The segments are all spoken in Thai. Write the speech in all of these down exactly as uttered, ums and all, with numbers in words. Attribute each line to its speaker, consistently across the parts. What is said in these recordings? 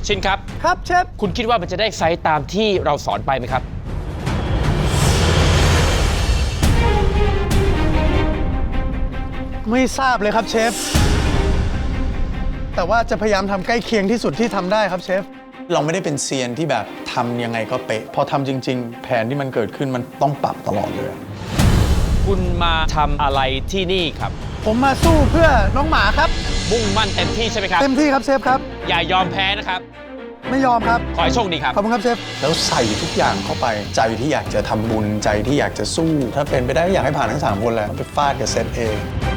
Speaker 1: ชินครับ
Speaker 2: ครับเชฟ
Speaker 1: คุณคิดว่ามันจะได้ไซส์ตามที่เราสอนไปไหมครับ
Speaker 2: ไม่ทราบเลยครับเชฟแต่ว่าจะพยายามทำใกล้เคียงที่สุดที่ทำได้ครับเชฟเราไม่ได้เป็นเซียนที่แบบทำยังไงก็เป๊ะพอทำจริงๆแผนที่มันเกิดขึ้นมันต้องปรับตลอดเลย
Speaker 1: คุณมาทำอะไรที่นี่ครับ
Speaker 2: ผมมาสู้เพื่อน้องหมาครับ
Speaker 1: มุ่งมั่นเต็มที่ใช่ไหมครับ
Speaker 2: เต็มที่ครับเชฟครับ
Speaker 1: อย่ายอมแพ้นะครับ
Speaker 2: ไม่ยอมครับ
Speaker 1: ขอให้โชคดีครับ
Speaker 2: ขอบคุณครับเชฟแล้วใส่ทุกอย่างเข้าไปใจที่อยากจะทำบุญใจที่อยากจะสู้ถ้าเป็นไปได้อยากให้ผ่านทั้งสามคนแล้วไปฟาดกับเซตเอง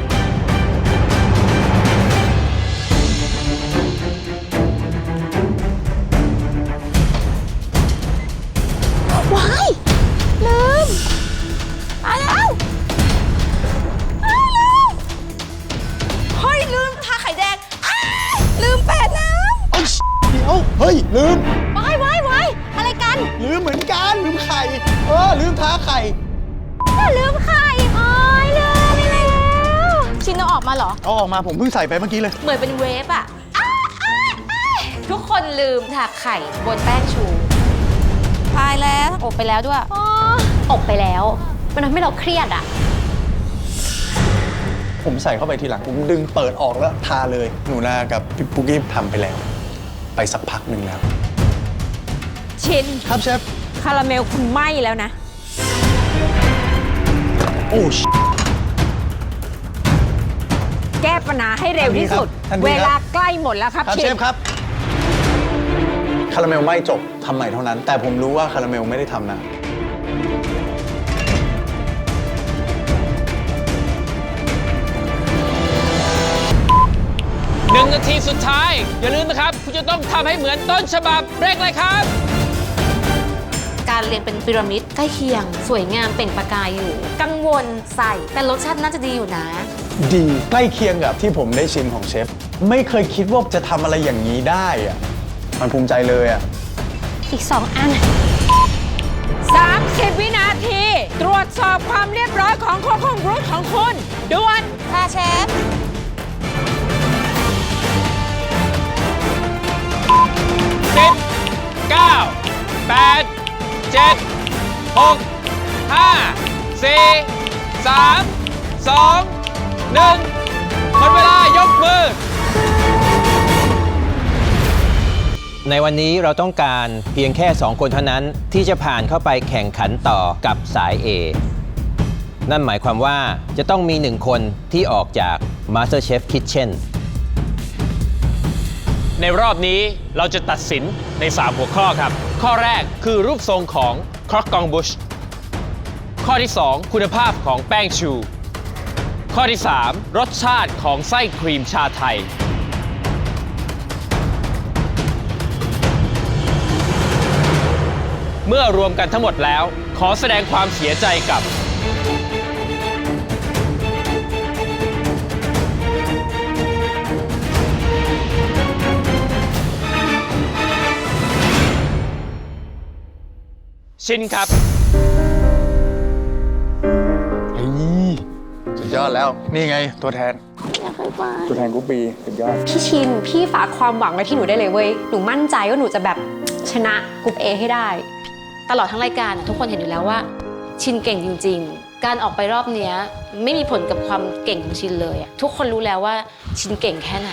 Speaker 3: ว้ายลืมมาแล้วอ้าวลืมเฮ้ยลืมทาไข่แดงอ้าลืมแปดน้ำ
Speaker 2: เอ้ยเดี๋ยวเฮ้ยลืม
Speaker 3: ว้ายว้ายว้ายอะไรกัน
Speaker 2: ลืมเหมือนกันลืมไข่เออลืมท้าไข่
Speaker 3: ลืมไข่โอ้ยลืมไปแล้วชินเอาออกมาเหรอ
Speaker 2: เอาออกมาผมเพิ่งใส่ไปเมื่อกี้เลย
Speaker 3: เหมือนเป็นเวฟอะทุกคนลืมทาไข่บนแป้งชูพายแล้วอบไปแล้วด้วยอบไปแล้วมันทำให้เราเครียดอะ
Speaker 2: ผมใส่เข้าไปทีหลังผมดึงเปิดออกแล้วทาเลยหนูนากับพี่ปุ๊กกี้ทำไปแล้วไปสักพักหนึ่งแล้ว
Speaker 4: ชิน
Speaker 2: ครับเชฟ
Speaker 4: คาราเมลคุณไหม้แล้วนะ
Speaker 2: โอ้
Speaker 4: แก้ปัญหาให้เร็วที่สุดเวลาใกล้หมดแล้วครับ
Speaker 2: เชฟครับคาราเมลไม่จบทำใหม่เท่านั้นแต่ผมรู้ว่าคาราเมลไม่ได้ทำนะ
Speaker 1: หนึ่งนาทีสุดท้ายอย่าลืมนะครับคุณจะต้องทำให้เหมือนต้นฉบับเร่งเลยครับ
Speaker 3: การเรียงเป็นพีระมิดใกล้เคียงสวยงามเปล่งประกายอยู่กังวลใส่แต่รสชาติน่าจะดีอยู่นะ
Speaker 2: ดีใกล้เคียงกับที่ผมได้ชิมของเชฟไม่เคยคิดว่าจะทำอะไรอย่างนี้ได้อะมันภูมิใจเลยอะ
Speaker 3: อีกสองอัน
Speaker 4: สามสิบวินาทีตรวจสอบความเรียบร้อยของโคโค่บรูทของคุณด่วน
Speaker 3: ค่ะเชฟ
Speaker 1: สิบ เก้า แปด เจ็ด หก ห้า สี่ สาม สอง หนึ่งหมดเวลายกมือ
Speaker 5: ในวันนี้เราต้องการเพียงแค่สองคนเท่านั้นที่จะผ่านเข้าไปแข่งขันต่อกับสาย A นั่นหมายความว่าจะต้องมีหนึ่งคนที่ออกจาก MasterChef Kitchen
Speaker 1: ในรอบนี้เราจะตัดสินในสามหัวข้อครับข้อแรกคือรูปทรงของครอกกองบุชข้อที่สองคุณภาพของแป้งชูข้อที่สามรสชาติของไส้ครีมชาไทยเมื่อรวมกันทั้งหมดแล้วขอแสดงความเสียใจกับชินครับ
Speaker 2: เฮ้ยสุดยอดแล้วนี่ไงตัวแทนตัวแทนกูปีสุดยอด
Speaker 6: พี่ชินพี่ฝากความหวังไว้ที่หนูได้เลยเว้ยหนูมั่นใจว่าหนูจะแบบชนะกลุ่ม A ให้ได้
Speaker 3: ตลอดทั้งรายการทุกคนเห็นอยู่แล้วว่าชินเก่งจริงๆการออกไปรอบนี้ไม่มีผลกับความเก่งของชินเลยทุกคนรู้แล้วว่าชินเก่งแค่ไหน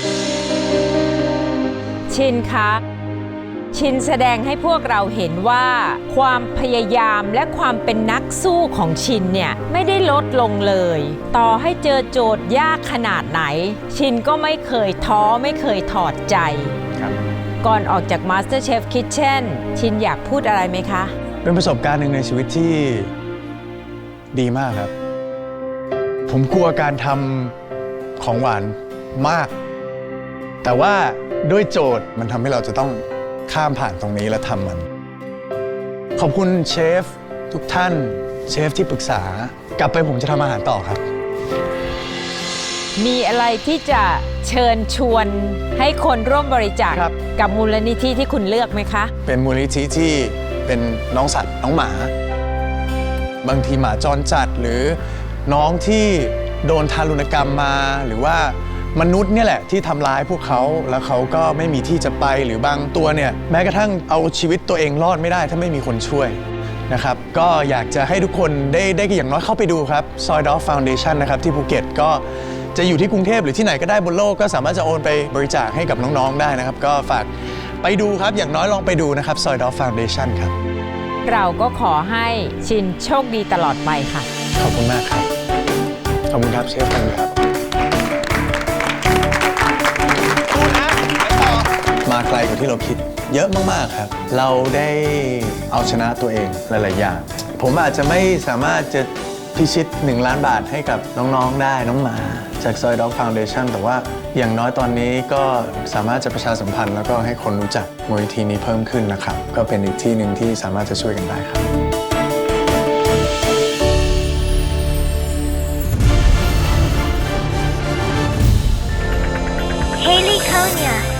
Speaker 4: ชินคะชินแสดงให้พวกเราเห็นว่าความพยายามและความเป็นนักสู้ของชินเนี่ยไม่ได้ลดลงเลยต่อให้เจอโจทย์ยากขนาดไหนชินก็ไม่เคยท้อไม่เคยถอดใจก่อนออกจาก MasterChef Kitchen ชินอยากพูดอะไรไหมคะ
Speaker 2: เป็นประสบการณ์หนึ่งในชีวิตที่ดีมากครับผมกลัวการทำของหวานมากแต่ว่าด้วยโจทย์มันทำให้เราจะต้องข้ามผ่านตรงนี้และทำมันขอบคุณเชฟทุกท่านเชฟที่ปรึกษากลับไปผมจะทำอาหารต่อครับ
Speaker 4: มีอะไรที่จะเชิญชวนให้คนร่วมบริจาคกับมูลนิธิที่คุณเลือกไหมคะ
Speaker 2: เป็นมูลนิธิที่เป็นน้องสัตว์น้องหมาบางทีหมาจรจัดหรือน้องที่โดนทารุณกรรมมาหรือว่ามนุษย์เนี่ยแหละที่ทำร้ายพวกเขาแล้วเขาก็ไม่มีที่จะไปหรือบางตัวเนี่ยแม้กระทั่งเอาชีวิตตัวเองรอดไม่ได้ถ้าไม่มีคนช่วยนะครับก็อยากจะให้ทุกคนได้ได้อย่างน้อยเข้าไปดูครับ Soy Dog Foundation นะครับที่ภูเก็ตก็จะอยู่ที่กรุงเทพหรือที่ไหนก็ได้บนโลกก็สามารถจะโอนไปบริจาคให้กับน้องๆได้นะครับก็ฝากไปดูครับอย่างน้อยลองไปดูนะครับ Soy Dog Foundation ครับ
Speaker 4: เราก็ขอให้ชินโชคดีตลอดไปค่ะ
Speaker 2: ขอบคุณมากครับขอบคุณครับเชฟกันครับมาไกลกว่าที่เราคิดเยอะมากๆครับเราได้เอาชนะตัวเองหลายๆอย่างผมอาจจะไม่สามารถจะพิชิตหนึ่งล้านบาทให้กับน้องๆได้น้องหมาจาก Soy Dog Foundation แต่ว่าอย่างน้อยตอนนี้ก็สามารถจะประชาสัมพันธ์แล้วก็ให้คนรู้จักมูลนิธินี้เพิ่มขึ้นนะครับก็เป็นอีกที่หนึ่งที่สามารถจะช่วยกันได้ครับ
Speaker 7: Haley Konya.